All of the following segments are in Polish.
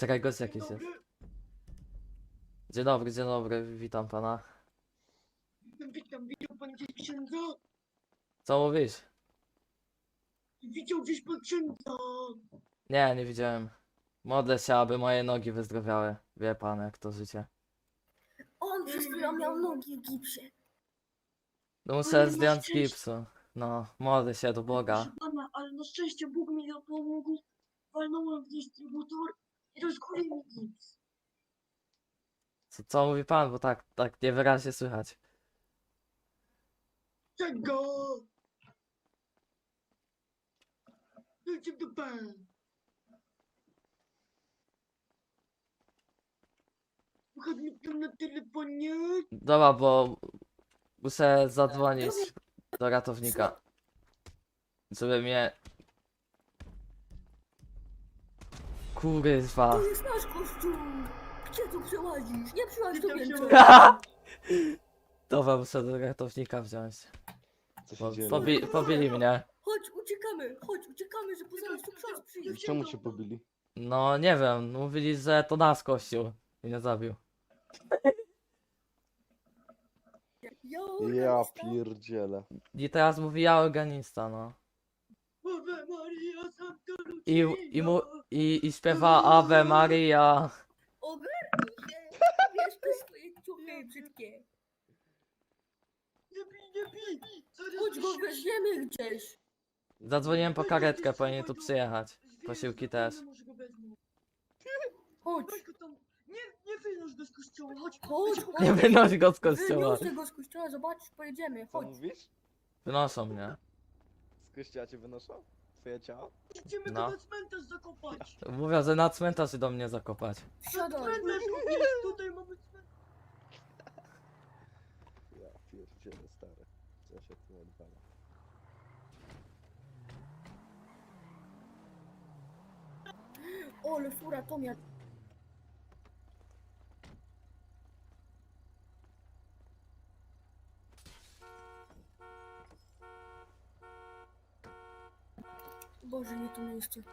Czekaj, gość Dzień jakiś jest. dobry. Dzień dobry, witam pana. Witam, widział pan gdzieś księdza? Co mówisz? Widział gdzieś pan księdza? Nie widziałem. Modlę się, aby moje nogi wyzdrowiały. Wie pan, jak to życie. On przez chwilę miał nogi w gipsie. No Ale muszę na zdjąć szczęście- gipsu. No, modlę się do Boga. Proszę pana, ale na szczęście Bóg mi pomógł. Walnąłem w dystrybutor i rozkulił mi gips. Co mówi pan, bo tak niewyraźnie słychać. Czego? Dajcie w dupę. Słuchaj mnie tam na telefonie. Dobra, bo muszę zadzwonić do ratownika. Żeby mnie... Kurwa. To jest nasz kościół! Gdzie tu przełazisz? Nie przyłaź tu Witam się, więcej! Dobra, muszę do ratownika wziąć. Co Bo się dzieje? pobili mnie. Chodź, uciekamy, że poza nas tu ksiądz przyjdzie. Czemu cię pobili? No nie wiem, mówili, że to nasz kościół. I mnie zabił. Ja pierdzielę. I teraz mówi ja organista, no. Ave Maria, Santa I, Lucia. i śpiewa Ave Maria. Ogarnij się! Wiesz, te swoje ciuchy brzydkie. Nie bij. Zaraz Chodź go wysiądę. weźmiemy gdzieś. Zadzwoniłem po karetkę, powinien tu przyjechać. Zwierzę Posiłki zapewne też. może go wezmą. Chodź, Weź go tam. Nie wynoś go z kościoła, chodź. chodź, Ja ci chodź. Nie wynoś go z kościoła. Wyniosę go z kościoła, zobaczysz, pojedziemy, Co chodź. mówisz? Wynoszą mnie. Z kościoła cię wynoszą? Twoje ciało? Idziemy No. go na cmentarz zakopać. Mówią, że na cmentarz do mnie zakopać. Wsiadaj. Cmentarz jest, tutaj mamy cmentarz. Ja pierdzielę, stary. Co się tu odwala? Ole, fura, to miał. Boże, nie to miejsce.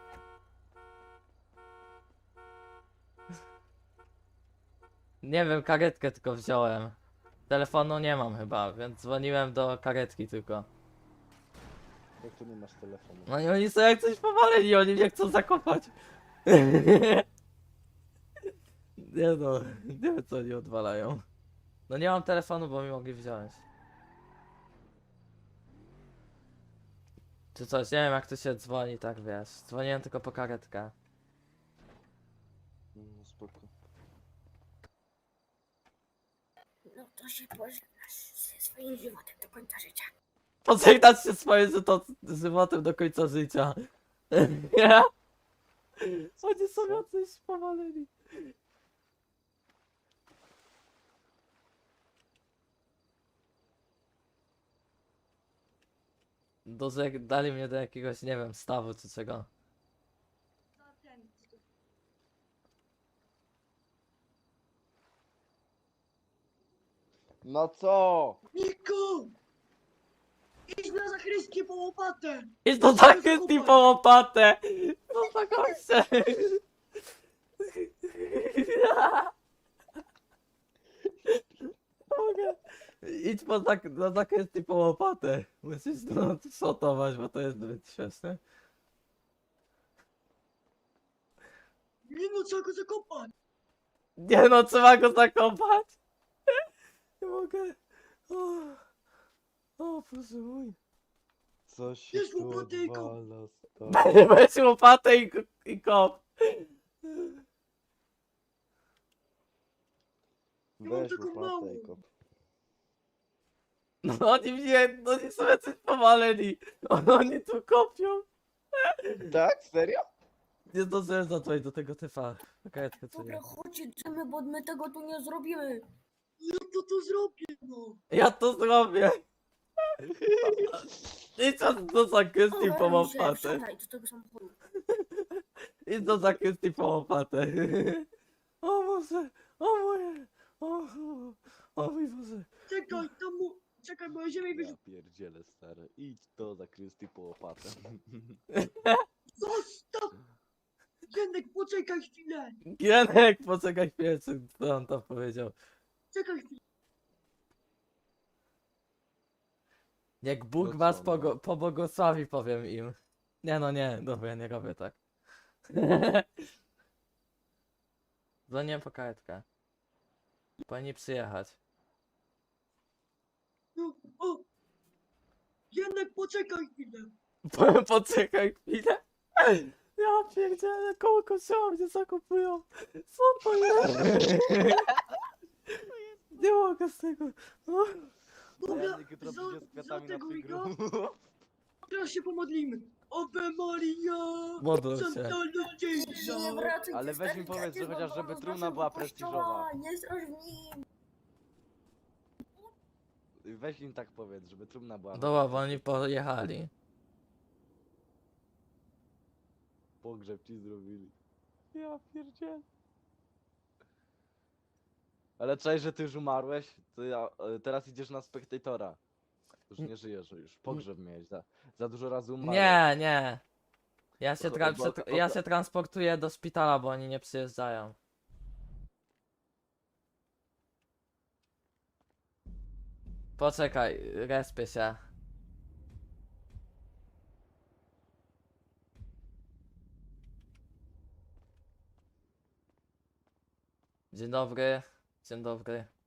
Nie wiem, karetkę tylko wziąłem. Telefonu nie mam chyba, więc dzwoniłem do karetki tylko. Jak tu nie masz telefonu? No i oni są jak coś powaleni, oni mnie chcą zakopać. Nie no, nie wiem co oni odwalają. No nie mam telefonu, bo mi mogli wziąć. Czy coś, nie wiem jak tu się dzwoni, tak wiesz. Dzwoniłem tylko po karetkę. No spoko. No to się pożegnasz ze swoim żywotem do końca życia. Pożegnać się swoim żywotem do końca życia. Nie? Oni są jacyś powaleni. Dali mnie do jakiegoś, nie wiem, stawu czy czego. Na ten. No co? Niko! Idź na zachrystie po łopatę. Idź do zakrystii po łopatę! No za goście! Mogę. Idź do zakrystii po łopatę. Musisz no, szotować, bo to jest zbyt śmieszne. Nie no, trzeba go zakopać. Nie no, trzeba go zakopać! Nie mogę. O Boże mój. Co się Jest tu łopaty i kop. odwala, stary? Weź łopatę i kop. Ja mam Weź taką łopatę małą. i kop. No oni są jacyś powaleni. Oni tu kopią. Tak? Serio? Nie zdążyłem zadzwonić do tego typa. Karetkę co Dobra, nie. chodź, idziemy, bo my tego tu nie zrobimy. Ja to zrobię, no. Ja to zrobię. Idź do zakrystii po Ogarnij się, łopatę. wsiadaj do tego samochodu. Idź do zakrystii po łopatę. O Boże, o moje. O mój Boże. Czekaj, tam mu... Czekaj, bo ja ziemię Ja wyrzucę. pierdzielę, stary. Idź do zakrystii po łopatę. Zostaw! Gienek, poczekaj chwilę! Gienek, poczekaj chwilę, co on tam powiedział. Czekaj chwilę! Jak Bóg No was co, no? pobłogosławi, powiem im. Nie no nie, dobra, ja nie robię tak. Dzwonię po karetkę. Powinni przyjechać. No, o! Gienek, poczekaj chwilę! Poczekaj chwilę. Ja pierdzielę, koło kościoła mnie zakupują. Co to jest? Nie mogę z tego. Dobra, Janek jutro za, przyjdzie z za kwiatami na tego twój Migo, grób. teraz się pomodlimy. Ave Maria! Modlę się. Santa Nie Lucia! wracaj, Ale ty weź mi stary powiedz, że dziadzie, chociaż bo żeby do trumna naszego była kościoła, prestiżowa. Nie straż w nim. Weź im tak powiedz, żeby trumna była. Dobra, bo oni pojechali. Pogrzeb ci zrobili. Ja pierdzielę. Ale czaj, że ty już umarłeś, to teraz idziesz na spektatora. Już nie żyjesz, już pogrzeb miałeś. Za dużo razy umarłeś. Nie, nie. Ja się Bo- transportuję do szpitala, bo oni nie przyjeżdżają. Poczekaj, respię się. Dzień dobry. Dzień dobry.